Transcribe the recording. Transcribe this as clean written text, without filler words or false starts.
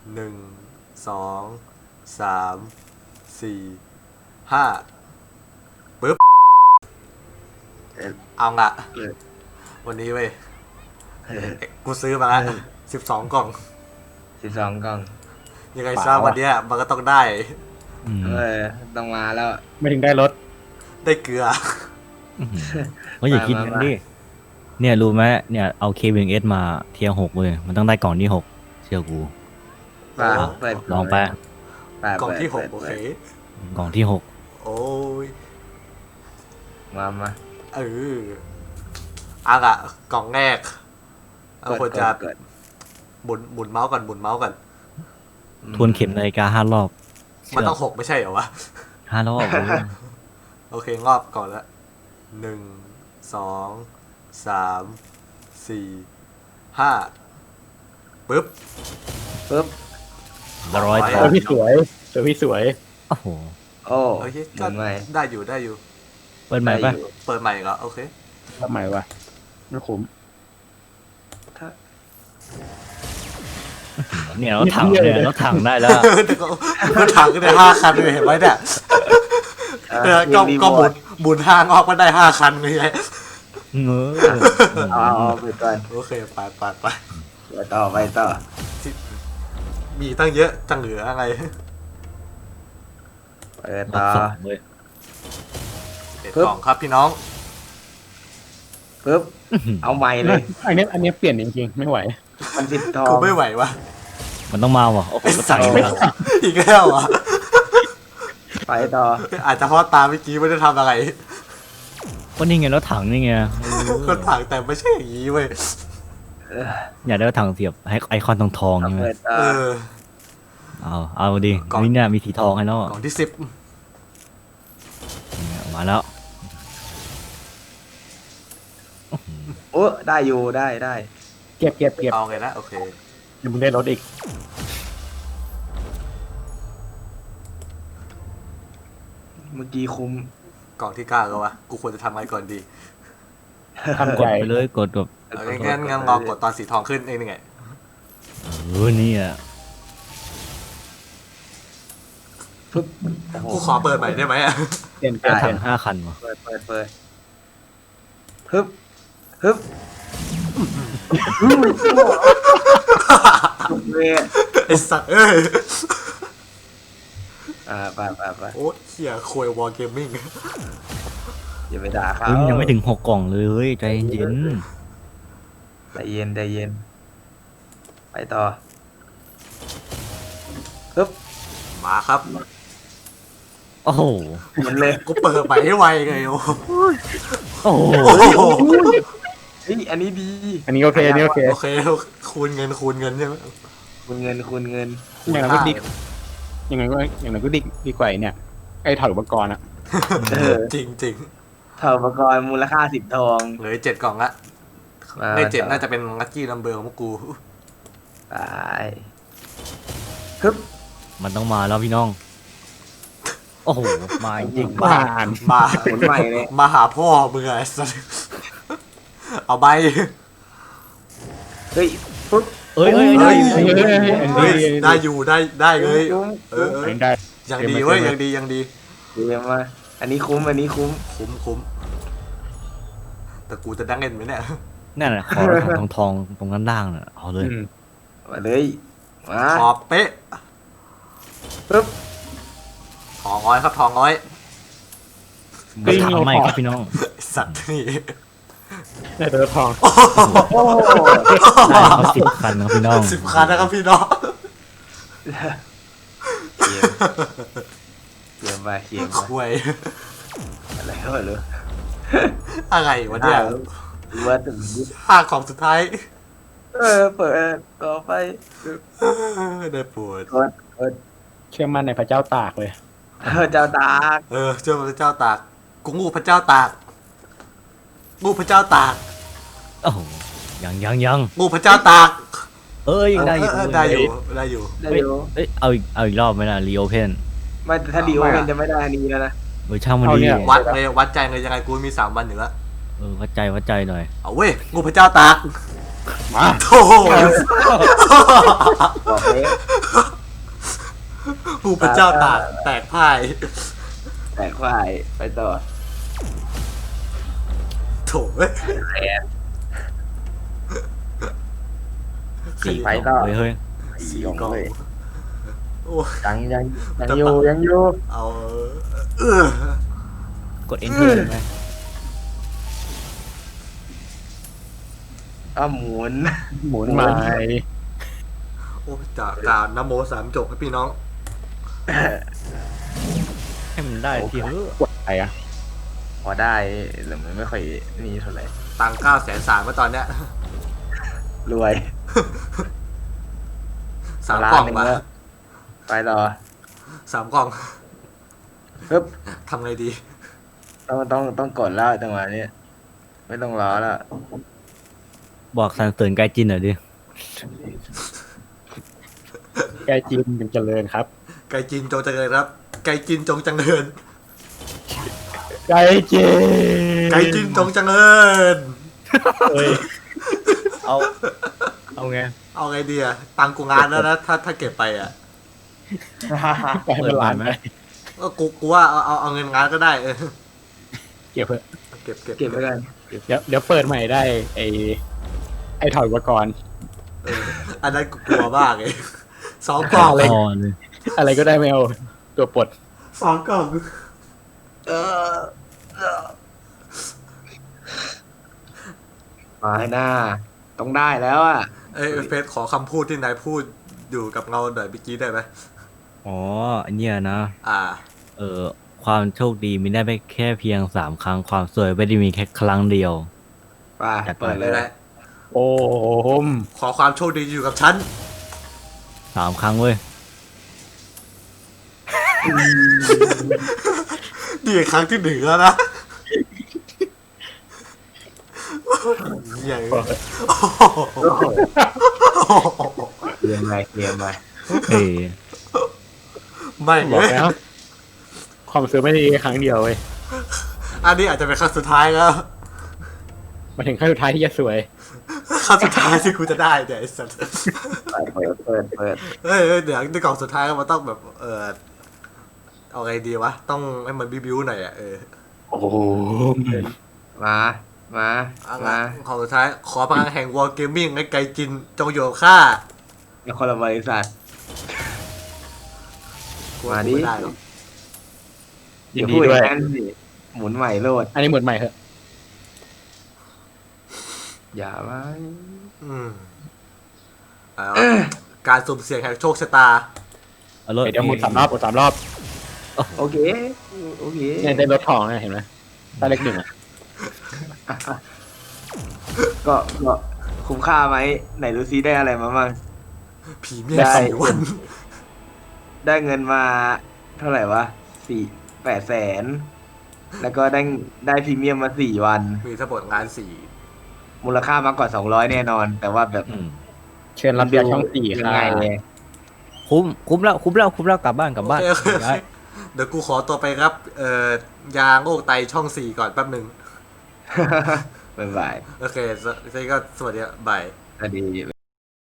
1 2 3 4 5ปึ๊บเอาละวันนี้เว้ยกูซื้อมา12 กล่อง 12 กล่องยังไงซะวันเนี้ยมันก็ต้องได้ต้องมาแล้วไม่ถึงได้รถได้เกลือก็อย่าคิดงั้นดิเนี่ยรู้ไหมเนี่ยเอาเควิงเอสมาเทียร์6เลยมันต้องได้กล่องที่6เชื่อกูลองไปกล่องที่6โอเคกล่องที่6 โอ้ยมาอ่ะกล่องแรกเอาควรจะหมุนเมาส์ก่อนทวนเข็มนาฬิกา5 รอบมันต้อง6ไม่ใช่เหรอวะ 5 รอบโอเครอบก่อนละ1 2 3 4 5ปึ๊บ 100 เจอพี่สวยโอ้โหโอเคก็ได้อยู่เปิดใหม่ป่ะเปิดใหม่เหรอโอเคทำใหม่วะไม่คุ้มเนี่ยรถถังได้แล้วรถถังก็ได้5 คันเลยเห็นไหมเนี่ยก็หมุนทางออกก็ได้5 คันไม่ใช่เอาไปก่อนโอเคไปต่อมีตั้งเยอะจังเหลืออะไรเปิดต่อกล่องครับพี่น้องปึ๊บเอาใหม่เลยอันนี้เปลี่ยนจริงๆไม่ไหวมัน10 ทองกูไม่ไหววะมันต้องมาว่ะโอ้โหใส่อีกแล้วอ่ะไปต่ออาจจะเพราะตาเมื่อกี้ไม่ได้ทำอะไรก็นี่ไงรถถังนี่ไงรถถังแต่ไม่ใช่อย่างนี้เว้ยอยากได้รถถังเสียบให้ไอคอนทองใช่ไหมเอาดินี่เนี่ยมีสีทองให้แล้วกล่องที่10 มาแล้วโอ้ได้อยู่ได้เก็บเอาไงนะโอเคเดี๋ยวมึงได้รถอีกเมื่อกี้คุ้มกล่องที่9แล้ววะกูควรจะทำอะไรก่อนดีทำใจไปเลยกดแบบงั้นรอกดตอนสีทองขึ้นเองนี่ไงนี่อ่ะกูขอเปิดใหม่ได้ไหมอ่ะเปลี่ยนถัง5 คันวะเปิดฮึบไอสัตว์เอ้ยไปโอ้เหี้ยโคยวอลเกมมิ่งอย่าไปด่าเขายังไม่ถึง6 กล่องเลยใจเย็นไปต่อฮึบมาครับโอ้โหมันเลยกูเปิดใหม่ให้ไวไงโอ้โหอันนี้ดีอันนี้โอเคคูณเงินใช่ไหมคูณเงินอย่างนั้นก็ดีอย่างนั้นก็ดีกว่าเนี่ยไอ้ถอดอุปกรณ์อ่ะจริงถอดอุปกรณ์มูลค่า10 ทองเหลือ7 กล่องละใน7น่าจะเป็นลัคกี้นัมเบอร์ของพวกกูไปฮึบมันต้องมาแล้วพี่น้องโอ้โหมาจริงมาใหม่เลยมาหาพ่อมึงไงสัสเอาใบเฮ้ยปุ๊บได้อยู่ได้เลยได้ยังดีเว้ยยังดีมาอันนี้คุ้มแต่กูจะดังเงินไหมเนี่ยนั่นแหละขอทองตรงนั้นล่างน่ะเอาเลยมาเลยมาขอบเป๊ะปึ๊บทองน้อยครับทองน้อยถามไม่ครับพี่น้องสัตว์นี่ได้ตัวทองได้เขา10 คันครับพี่น้อง 10 คันนะครับพี่น้องเขียนไปคุยอะไรก็ไม่รู้อะไรวะเนี่ยว่าถึงภาคของสุดท้ายเปิดต่อไปได้ปวดเชื่อมั่นในพระเจ้าตากเลยเจ้าตากเชื่อพระเจ้าตากกูงูพระเจ้าตากงูพระเจ้าตากโอ้โหยังงูพระเจ้าตากยังได้อยู่เอาอีกรอบไหมล่ะรีโอเพนไม่ถ้ารีโอเพนจะไม่ได้อันนี้แล้วนะช่างมันดีวัดใจเลยยังไงกูมี3 วันอยู่แล้ววัดใจหน่อยเอาเว้ยงูพระเจ้าตากมาโถ่บอกเลยผู้เป็นเจ้าตากแตกพ่ายแต่ควายไปต่อโถ่เว้ยแอนสี่ไปกล่ต่อองเฮ้ยสี่กล่องเลยโอ้ยังอยู่เอากด enter ได้ไหมหมุนหมุนใหม่โอ้จากการนโมสามจบให้พี่น้องให้มันได้ทีเถอะกดอะไรอ่ะพอได้แต่มันไม่ค่อยนี่เท่าไหร่ตังค์900,003มาตอนเนี้ยรวย 3 กล่อง 1,000,000 มาแล้วไปต่อ 3 กล่องปึ๊บทำไงดีต้องกดแล้วจังหวะนี้ไม่ต้องรอแล้วบอกสรรเสริญไกจินหน่อยดิไกจีนยังเจริญครับไก่จินจงเจริญครับ ไก่จินจงเจริญไกจีนไก่จินจงเจริญเฮ้ยเอาไงเอาไงดีอะตังค์กูงานแล้วนะถ้าเก็บไปอะไปให้มันหลานไหมก็กูว่าเอาเงินงานก็ได้เก็บเถอะเก็บเก็บไว้กันเดี๋ยวเปิดใหม่ได้ไอ้ถอยอุปกรณ์อันนั้นกูกลัวมากเลย2 กล่องอะไรพอเลยอะไรก็ได้ไม่เอาตัวปลด 2 กล่องมาให้หน้า ต้องได้แล้วอ่ะเฟซขอคำพูดที่นายพูดอยู่กับเงาหน่อยเมื่อกี้ได้ไหมอ๋ออันเนี้ยนะอ่าความโชคดีมีได้ไม่แค่เพียง3 ครั้ง ความสวยไม่ได้มีแค่ครั้งเดียวไปจัดไปเปิดเลเลยยนะโอ้โหขอความโชคดีอยู่กับฉัน 3 ครั้งเว้ยนี่ครั้งที่1แล้วนะใหญ่เรียนไปเอ้ยไม่บอกแล้ว ความซื้อไม่ได้ครั้งเดียวเว้ยอันนี้อาจจะเป็นครั้งสุดท้ายแล้วมาถึงขั้นสุดท้ายที่จะสวยครั้งสุดท้ายที่กูจะได้เนี่ยไอ้สัสเปิดเฮ้ยเดี๋ยวในกล่องสุดท้ายมันต้องแบบเอาไงดีวะต้องให้มันบิวหน่อยอ่ะโอ้โหมาเอาละของสุดท้ายขอพลังแห่งวอลเกมมิ่งให้ไกลจินจงอยู่กับข้าแล้วคนละบริษัทกูว่ากูไม่ได้หรอกยินดีด้วยนั่นสิหมุนใหม่โลดอันนี้หมุนใหม่เถอะอย่าไว้เอาการสุ่มเสี่ยงแห่งโชคชะตาเอารถเดี๋ยวหมุน3 รอบหมุน3 รอบโอเคเนี่ยได้รถทองนะเห็นไหมได้เลข 1อ่ะก็คุ้มค่าไหมไหนดูซิได้อะไรมาบ้างพรีเมียม4 วันได้เงินมาเท่าไหร่วะ800,000แล้วก็ได้พรีเมียมมา4 วันมีทั้งหมดงานมูลค่ามากกว่า200แน่นอน แต่ว่าแบบเชิญรับเบียร์ช่อง4 ยัค่ะงไงเนี่ยคุ้มแล้วกลับบ้าน 4โอเค เดี๋ยวกูขอตัวไปครับยางโอกไตช่อง 4 ก่อนแป๊บหนึ่งบ๊ายบายโอเคก็สวัสดีบายสวัสดี